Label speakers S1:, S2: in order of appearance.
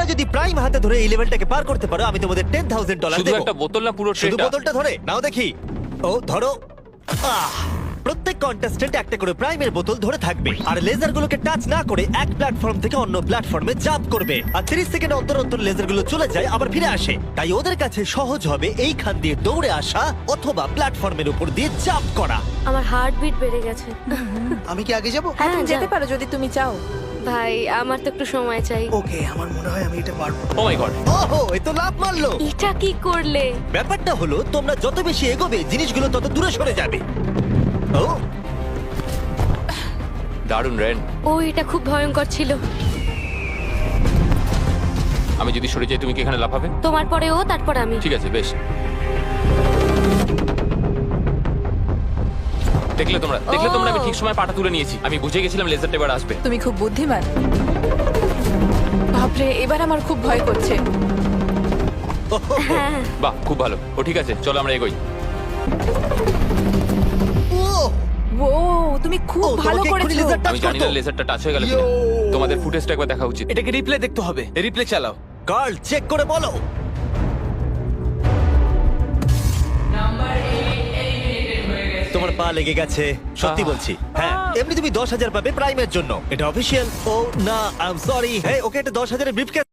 S1: যদি প্রাইম হাতে ধরে এই লেভেলটাকে পার করতে পারো আমি তোমাদের $10,000
S2: শুধু
S1: দেবো।
S2: একটা বোতল না পুরো
S1: শুধু
S2: ট্রেটা?
S1: বোতলটা ধরে নাও দেখি। ও ধরো। প্রত্যেক কন্টেস্টেন্ট একটা করে প্রাইমের বোতল ধরে থাকবে আর লেজারগুলোকে টাচ না করে এক প্ল্যাটফর্ম থেকে অন্য প্ল্যাটফর্মে জাম্প করবে আর 30 সেকেন্ড অন্তর অন্তর লেজারগুলো চলে যায় আবার ফিরে আসে। তাই ওদের কাছে সহজ হবে এইখান দিয়ে দৌড়ে আসা অথবা প্ল্যাটফর্মের উপর দিয়ে জাম্প করা।
S3: আমার হার্টবিট বেড়ে গেছে।
S4: আমি কি আগে যাব?
S5: হ্যাঁ তুমি যেতে
S3: যাও।
S5: পারো যদি তুমি চাও।
S3: ভাই আমার তো একটু সময় চাই।
S4: ওকে, আমার মনে হয় আমি এটা পারবো।
S2: Oh my God!
S1: ওহো, এ তো লাভ মারলো।
S3: এটা কি করলে?
S1: ব্যাপারটা হলো তোমরা যত বেশি এগোবে জিনিসগুলো তত দূরে সরে যাবে। ও
S2: দারুণ রেন।
S3: ও এটা খুব ভয়ঙ্কর ছিল।
S2: আমি যদি সরে যাই তুমি কি এখানে লাফাবে?
S3: তোমার পরে ও তারপর আমি।
S2: ঠিক আছে, বেশ। দেখলে তোমরা আমি ঠিক সময় পাটা তুলে নিয়েছি। আমি বুঝে গেছিলাম লেজারটা এবার আসবে।
S5: তুমি খুব বুদ্ধিমান। বাপরে, এবার আমার খুব ভয় করছে।
S2: বাহ, খুব ভালো। ও ঠিক আছে, চলো আমরা এগোই।
S5: ও তুমি খুব
S1: ও,
S5: ভালো
S1: তোমাকে এক্ষুনি
S5: করেছো।
S1: laser touch
S2: আমি জানি না
S1: করতো।
S2: লেজারটা টাচ হয়ে গেল কিনা। তোমাদের ফুটেজটা একবার দেখা উচিত।
S6: এটাকে রিপ্লে দেখতে হবে। রিপ্লে চালাও।
S1: কার্ল চেক করে বলো। তোমার পা লেগে গেছে, সত্যি বলছি। হ্যাঁ, এমনি তুমি 10,000 পাবে প্রাইমের জন্য। এটা অফিসিয়াল। ও না, আই এম সরি। হ্যাঁ, ওকে এটা 10,000 ব্রিফকেস